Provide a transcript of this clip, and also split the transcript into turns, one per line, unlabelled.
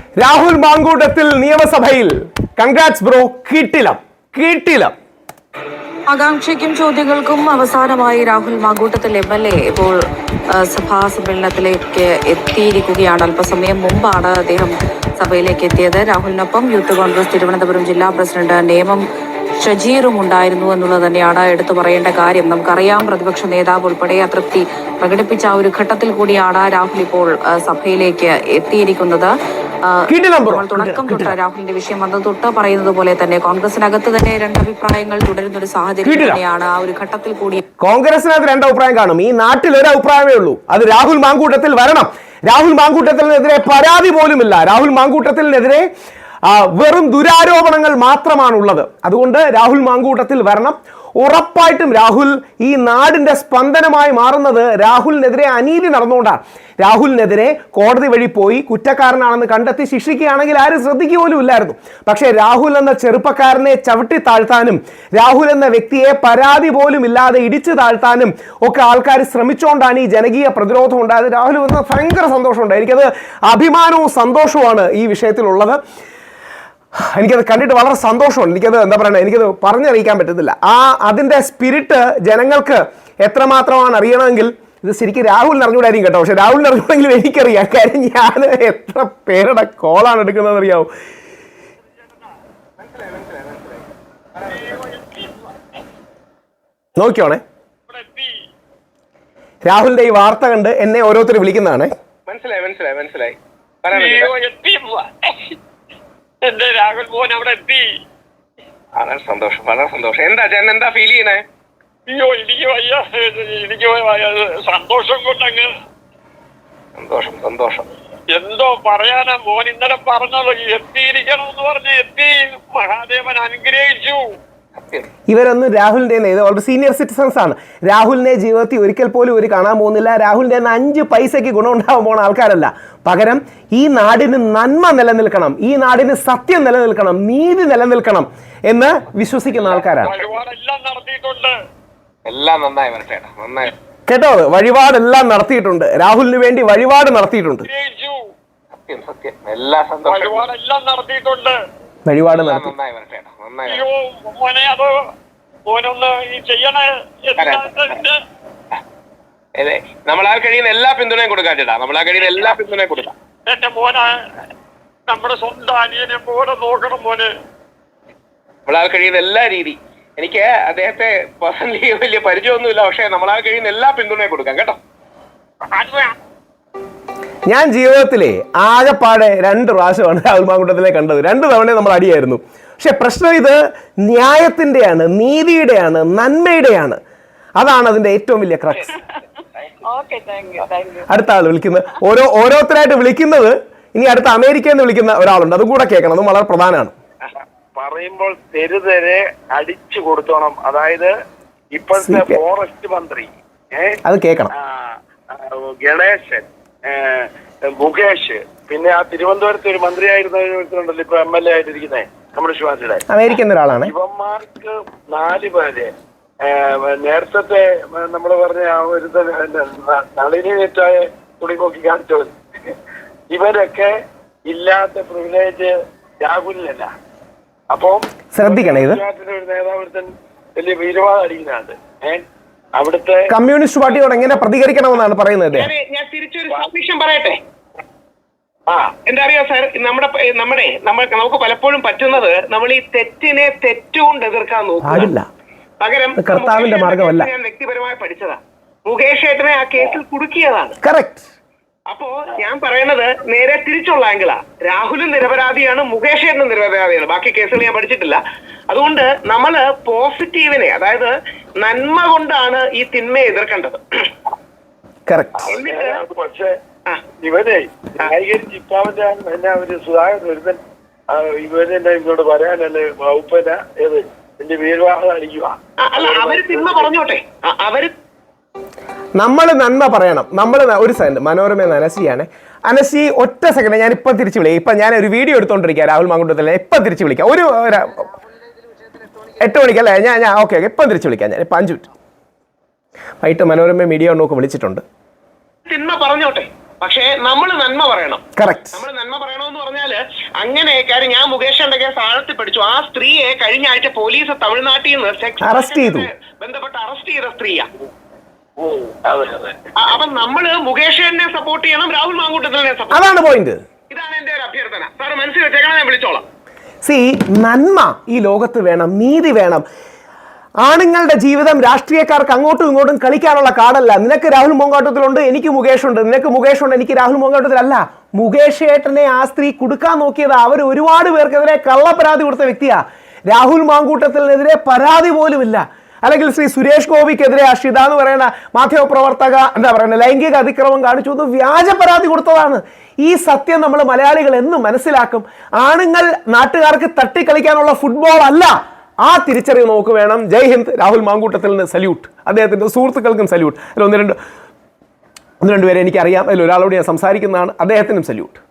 രാഹുൽ മാങ്കൂട്ടത്തിൽ നിയമസഭയിൽ. Congrats bro. കീട്ടിലം.
ആകാംക്ഷയ്ക്കും ചോദ്യങ്ങൾക്കും അവസാനമായി രാഹുൽ മാങ്കൂട്ടത്തിൽ MLA ഇപ്പോൾ സഭാ സമ്മേളനത്തിലേക്ക് എത്തിയിരിക്കുകയാണ്. അല്പസമയം മുമ്പാണ് അദ്ദേഹം സഭയിലേക്ക് എത്തിയത്. രാഹുലിനൊപ്പം യൂത്ത് കോൺഗ്രസ് തിരുവനന്തപുരം ജില്ലാ പ്രസിഡന്റ് നേമം ഷജീറും ഉണ്ടായിരുന്നു എന്നുള്ളത് തന്നെയാണ് എടുത്തു പറയേണ്ട കാര്യം. നമുക്കറിയാം, പ്രതിപക്ഷ നേതാവ് ഉൾപ്പെടെ അതൃപ്തി പ്രകടിപ്പിച്ച ഒരു ഘട്ടത്തിൽ കൂടിയാണ് രാഹുൽ ഇപ്പോൾ സഭയിലേക്ക് എത്തിയിരിക്കുന്നത്. നമ്മൾ തുടക്കം തൊട്ട് രാഹുലിന്റെ വിഷയം വന്നത് തൊട്ട് പറയുന്നത് പോലെ തന്നെ കോൺഗ്രസിനകത്ത് തന്നെ രണ്ടഭിപ്രായങ്ങൾ തുടരുന്ന ഒരു സാഹചര്യം തന്നെയാണ്. ആ ഒരു ഘട്ടത്തിൽ കൂടി
കോൺഗ്രസിനകത്ത് രണ്ടഭിപ്രായം കാണും. ഈ നാട്ടിൽ ഒരു അഭിപ്രായമേ ഉള്ളൂ, അത് രാഹുൽ മാങ്കൂട്ടത്തിൽ വരണം. രാഹുൽ മാങ്കൂട്ടത്തിനെതിരെ പരാതി പോലുമില്ല. രാഹുൽ മാങ്കൂട്ടത്തിനെതിരെ വെറും ദുരാരോപണങ്ങൾ മാത്രമാണുള്ളത്. അതുകൊണ്ട് രാഹുൽ മാങ്കൂട്ടത്തിൽ വരണം. ഉറപ്പായിട്ടും രാഹുൽ ഈ നാടിന്റെ സ്പന്ദനമായി മാറുന്നത് രാഹുലിനെതിരെ അനീതി നടന്നുകൊണ്ടാണ്. രാഹുലിനെതിരെ കോടതി വഴി പോയി കുറ്റക്കാരനാണെന്ന് കണ്ടെത്തി ശിക്ഷിക്കുകയാണെങ്കിൽ ആരും ശ്രദ്ധിക്കുക പോലും ഇല്ലായിരുന്നു. പക്ഷേ രാഹുൽ എന്ന ചെറുപ്പക്കാരനെ ചവിട്ടി താഴ്ത്താനും രാഹുൽ എന്ന വ്യക്തിയെ പരാതി പോലും ഇല്ലാതെ ഇടിച്ചു താഴ്ത്താനും ഒക്കെ ആൾക്കാർ ശ്രമിച്ചുകൊണ്ടാണ് ഈ ജനകീയ പ്രതിരോധം ഉണ്ടായത്. രാഹുൽ വന്ന ഭയങ്കര സന്തോഷമുണ്ട്. എനിക്കത് അഭിമാനവും സന്തോഷവുമാണ് ഈ വിഷയത്തിലുള്ളത്. എനിക്കത് കണ്ടിട്ട് വളരെ സന്തോഷമുണ്ട്. എനിക്കത് എന്താ പറയുക, എനിക്കത് പറഞ്ഞറിയിക്കാൻ പറ്റത്തില്ല. അതിൻ്റെ സ്പിരിറ്റ് ജനങ്ങൾക്ക് എത്രമാത്രമാണ് അറിയണമെങ്കിൽ ഇത് ശരിക്കും രാഹുലിന് അറിഞ്ഞൂടായിരിക്കും കേട്ടോ. പക്ഷെ രാഹുലിന് അറിഞ്ഞൂടെങ്കിലും എനിക്കറിയാം. കാര്യം ഞാൻ എത്ര പേരുടെ കോളാണ് എടുക്കുന്നതെന്ന് അറിയാവോ. നോക്കിയോണേ, രാഹുലിന്റെ ഈ വാർത്ത കണ്ട് എന്നെ ഓരോരുത്തർ വിളിക്കുന്നതാണ്.
മനസ്സിലായി എന്റെ രാഹുൽ മോൻ അവിടെ എത്തി. വളരെ സന്തോഷം. എന്താ ഫീൽ ചെയ്യണേ? അയ്യോ എനിക്ക് സന്തോഷം കൊണ്ടങ്ങ് സന്തോഷം എന്തോ പറയാനാ. മോൻ ഇന്നലെ പറഞ്ഞല്ലോ എത്തിയിരിക്കണമെന്ന് പറഞ്ഞ് എത്തി. മഹാദേവൻ അനുഗ്രഹിച്ചു.
ഇവരൊന്നും രാഹുലിന്റെ വളരെ സീനിയർ സിറ്റിസൺസ് ആണ്. രാഹുലിനെ ജീവിതത്തിൽ ഒരിക്കൽ പോലും ഒരു കാണാൻ പോകുന്നില്ല. രാഹുലിന്റെ 5 പൈസയ്ക്ക് ഗുണമുണ്ടാവാൻ പോകുന്ന ആൾക്കാരല്ല. പകരം ഈ നാടിന് നന്മ നിലനിൽക്കണം, ഈ നാടിന് സത്യം നിലനിൽക്കണം, നീതി നിലനിൽക്കണം എന്ന് വിശ്വസിക്കുന്ന ആൾക്കാരാണ്. കേട്ടോ, വഴിപാടെല്ലാം നടത്തിയിട്ടുണ്ട്. രാഹുലിന് വേണ്ടി വഴിപാട് നടത്തിയിട്ടുണ്ട്. വഴിപാട് നടത്തി.
നമ്മളാൽ കഴിയുന്ന എല്ലാ പിന്തുണയും കൊടുക്കാം ചേട്ടാ. എന്റെ മോനെ നമ്മുടെ സ്വന്തം അനിയനെ പോലെ നോക്കണം മോനെ. നമ്മളാൽ കഴിയുന്ന എല്ലാ രീതി. എനിക്ക് അദ്ദേഹത്തെ പേഴ്സണലി വലിയ പരിചയമൊന്നുമില്ല, പക്ഷെ നമ്മളാൽ കഴിയുന്ന എല്ലാ പിന്തുണയും കൊടുക്കാം കേട്ടോ.
ഞാൻ ജീവിതത്തിലെ ആകെപ്പാടെ 2 പ്രാവശ്യമാണ് രാഹുൽ മാങ്കൂട്ടത്തിലെ കണ്ടത്. 2 തവണ നമ്മൾ അടിയായിരുന്നു. പക്ഷെ പ്രശ്നം ഇത് ന്യായത്തിന്റെയാണ്, നീതിയുടെയാണ്, നന്മയുടെയാണ്. അതാണ് അതിന്റെ ഏറ്റവും വലിയ ക്രക്സ്. അടുത്ത ആൾ വിളിക്കുന്നത് ഓരോരുത്തരായിട്ട് വിളിക്കുന്നത്. ഇനി അടുത്ത അമേരിക്കയിൽ നിന്ന് വിളിക്കുന്ന ഒരാളുണ്ട്, അതും കൂടെ കേൾക്കണം. അതും വളരെ പ്രധാനമാണ്.
പറയുമ്പോൾ തെരുതെരെ അടിച്ചു കൊടുത്തോണം. അതായത് ഇപ്പോഴത്തെ ഫോറസ്റ്റ് മന്ത്രി
അത് കേൾക്കണം.
ഗണേശൻ, മുകേഷ്, പിന്നെ ആ തിരുവനന്തപുരത്ത് ഒരു മന്ത്രിയായിരുന്നല്ലോ, ഇപ്പൊ MLA ആയിട്ടിരിക്കുന്നേ കമ്മ്യൂണിസ്റ്റ് പാർട്ടിയുടെ,
അമേരിക്കൻ ഒരാളാണ്.
ഇവന്മാർക്ക് 4 പേര് നേരത്തെ നമ്മള് പറഞ്ഞ ആ ഒരു നളിനി നെറ്റായ തുണി നോക്കി കാണിച്ചവർ, ഇവരൊക്കെ ഇല്ലാത്ത പ്രിവിലേജ് രാഹുലിനല്ല. അപ്പം
ശ്രദ്ധിക്കണം, ഇത്
ഒരു നേതാവ് വലിയ വീരവാദം അടിക്കുന്നതാണ്. അവിടുത്തെ
കമ്മ്യൂണിസ്റ്റ് പാർട്ടിയോട് എങ്ങനെ പ്രതികരിക്കണമെന്നാണ് പറയുന്നത്.
ഞാൻ തിരിച്ചൊരു സബ്മിഷൻ പറയട്ടെ. എന്താ അറിയോ സാർ, നമുക്ക് പലപ്പോഴും പറ്റുന്നത് നമ്മൾ ഈ തെറ്റിനെ തെറ്റുകൊണ്ട് എതിർക്കാൻ നോക്കില്ല. പകരം
കർത്താവിന്റെ മാർഗമല്ല.
ഞാൻ വ്യക്തിപരമായി പഠിച്ചതാ. മുകേഷ് ഏട്ടനെ ആ കേസിൽ കുടുക്കിയതാണ്.
കറക്റ്റ്.
അപ്പോ ഞാൻ പറയുന്നത് നേരെ തിരിച്ചുള്ള ആംഗിളാ. രാഹുലും നിരപരാധിയാണ്, മുകേഷ് ഏട്ടനും നിരപരാധിയാണ്. ബാക്കി കേസുകൾ ഞാൻ പഠിച്ചിട്ടില്ല. അതുകൊണ്ട് നമ്മള് പോസിറ്റീവിനെ, അതായത് നന്മ കൊണ്ടാണ് ഈ തിന്മയെ എതിർക്കേണ്ടത്.
പക്ഷേ ഇവനെ ന്യായീകരിച്ച് ഇപ്പാവന്റെ എന്നാ ഒരു സുധാകരൻ ഒരുത്തൻ ഇവരെന്നെ ഇങ്ങോട്ട് പറയാനല്ലേ വകുപ്പന ഏത് എന്റെ വീരവാഹം അടിക്കുക.
അവര് തിന്മ പറഞ്ഞോട്ടെ, അവര്
നമ്മൾ നന്മ പറയണം. ഒരു സെക്കൻഡ്, മനോരമ അനസിയാണ്. അനസി ഒറ്റ സെക്കൻഡ്, ഞാൻ ഇപ്പം തിരിച്ചു വിളിക്കാം. ഇപ്പം ഞാൻ ഒരു വീഡിയോ എടുത്തോണ്ടിരിക്കുക രാഹുൽ മാങ്കൂട്ടത്തിലെ. ഇപ്പം തിരിച്ചു വിളിക്കാം. 8 മണിക്കല്ലേ? ഞാൻ ഓക്കെ ഇപ്പം തിരിച്ചു വിളിക്കാം. ഞാൻ ഇപ്പം 5 മിനിറ്റ് വൈകിട്ട് മനോരമ മീഡിയ നോക്ക് വിളിച്ചിട്ടുണ്ട്.
തിന്മ പറഞ്ഞോട്ടെ, പക്ഷേ നമ്മൾ നന്മ പറയണം.
കറക്റ്റ്.
നമ്മൾ നന്മ പറയണമെന്ന് പറഞ്ഞാല് അങ്ങനെയൊക്കെ ഞാൻ മുകേഷിന്റെ കേസ് ആഴത്തിൽ പഠിച്ചു. ആ സ്ത്രീയെ കഴിഞ്ഞ ആഴ്ച പോലീസ് തമിഴ്നാട്ടിൽ നിന്ന് സെക്സ്
അറസ്റ്റ് ചെയ്തു,
ബന്ധപ്പെട്ട് അറസ്റ്റ് ചെയ്ത സ്ത്രീയാ. അപ്പൊ നമ്മള് മുകേഷിനെ സപ്പോർട്ട് ചെയ്യണം, രാഹുൽ മാങ്കൂട്ടത്തിനെ സപ്പോർട്ട്.
അതാണ് പോയിന്റ്.
ഇതാണ് എന്റെ ഒരു അഭ്യർത്ഥന. സാർ മനസ്സിൽ വെച്ചേക്കണം, ഞാൻ വിളിച്ചോളാം.
നന്മ ഈ ലോകത്ത് വേണം, നീതി വേണം. ആണുങ്ങളുടെ ജീവിതം രാഷ്ട്രീയക്കാർക്ക് അങ്ങോട്ടും ഇങ്ങോട്ടും കളിക്കാനുള്ള കാർഡല്ല. നിനക്ക് രാഹുൽ മാങ്കൂട്ടത്തിലുണ്ട്, എനിക്ക് മുകേഷ് ഉണ്ട്, നിനക്ക് മുകേഷ് ഉണ്ട്, എനിക്ക് രാഹുൽ മാങ്കൂട്ടത്തിലല്ല. മുകേഷ് ഏട്ടനെ ആ സ്ത്രീ കുടുക്കാൻ നോക്കിയത് അവർ ഒരുപാട് പേർക്കെതിരെ കള്ളപ്പരാതി കൊടുത്ത വ്യക്തിയാ. രാഹുൽ മാങ്കൂട്ടത്തിനെതിരെ പരാതി പോലുമില്ല. അല്ലെങ്കിൽ ശ്രീ സുരേഷ് ഗോപിക്കെതിരെ അഷിത എന്ന് പറയുന്ന മാധ്യമപ്രവർത്തക എന്താ പറയുക ലൈംഗിക അതിക്രമം കാണിച്ചു എന്ന് വ്യാജ പരാതി കൊടുത്തതാണ്. ഈ സത്യം നമ്മൾ മലയാളികൾ എന്നും മനസ്സിലാക്കും. ആണുങ്ങൾ നാട്ടുകാർക്ക് തട്ടിക്കളിക്കാനുള്ള ഫുട്ബോൾ അല്ല. ആ തിരിച്ചറിവ് നമുക്ക് വേണം. ജയ് ഹിന്ദ്. രാഹുൽ മാങ്കൂട്ടത്തിന് സല്യൂട്ട്. അദ്ദേഹത്തിൻ്റെ സുഹൃത്തുക്കൾക്കും സല്യൂട്ട്. അതിൽ ഒന്ന് രണ്ട് പേരെ എനിക്കറിയാം. അതിൽ ഒരാളോട് ഞാൻ സംസാരിക്കുന്നതാണ്. അദ്ദേഹത്തിനും സല്യൂട്ട്.